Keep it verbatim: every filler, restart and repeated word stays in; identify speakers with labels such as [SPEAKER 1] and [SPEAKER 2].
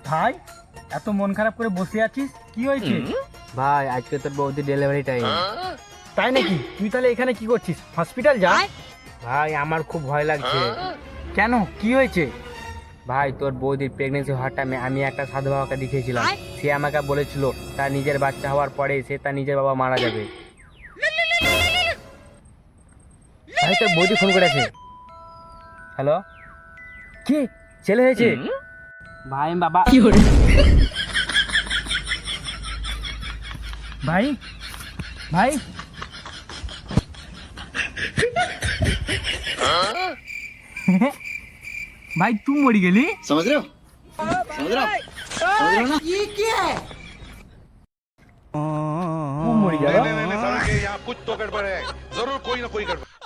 [SPEAKER 1] ভাই এত মন খারাপ করে বসে আছিস, কি হয়েছে?
[SPEAKER 2] ভাই আজকে তোর বৌদি ডেলিভারি টাইম।
[SPEAKER 1] তাই নাকি? তুই তাহলে এখানে কি করছিস? হসপিটাল যা।
[SPEAKER 2] ভাই আমার খুব ভয় লাগছে।
[SPEAKER 1] কেন, কি হয়েছে?
[SPEAKER 2] ভাই তোর বৌদির প্রেগনেন্সি হওয়ার টাইমে আমি একটা সাধু বাবাকে দেখিয়েছিলাম, সে আমাকে বলেছিল তার নিজের বাচ্চা হওয়ার পরে সে তার নিজের বাবা মারা যাবে। ভাই তোর বৌদি ফোন করেছে। হ্যালো, কি ছেলে হয়েছে? ভাই আমি বাবা।
[SPEAKER 1] ভাই ভাই भाई तू मरी गेली?
[SPEAKER 3] समझ रहे हो समझ रहे हो समझ रहे हो ना
[SPEAKER 1] ये क्या है? तू मरी गया?
[SPEAKER 4] नहीं नहीं नहीं समझ गए, यहाँ कुछ तो गड़बड़ है, जरूर कोई ना कोई गड़बड़।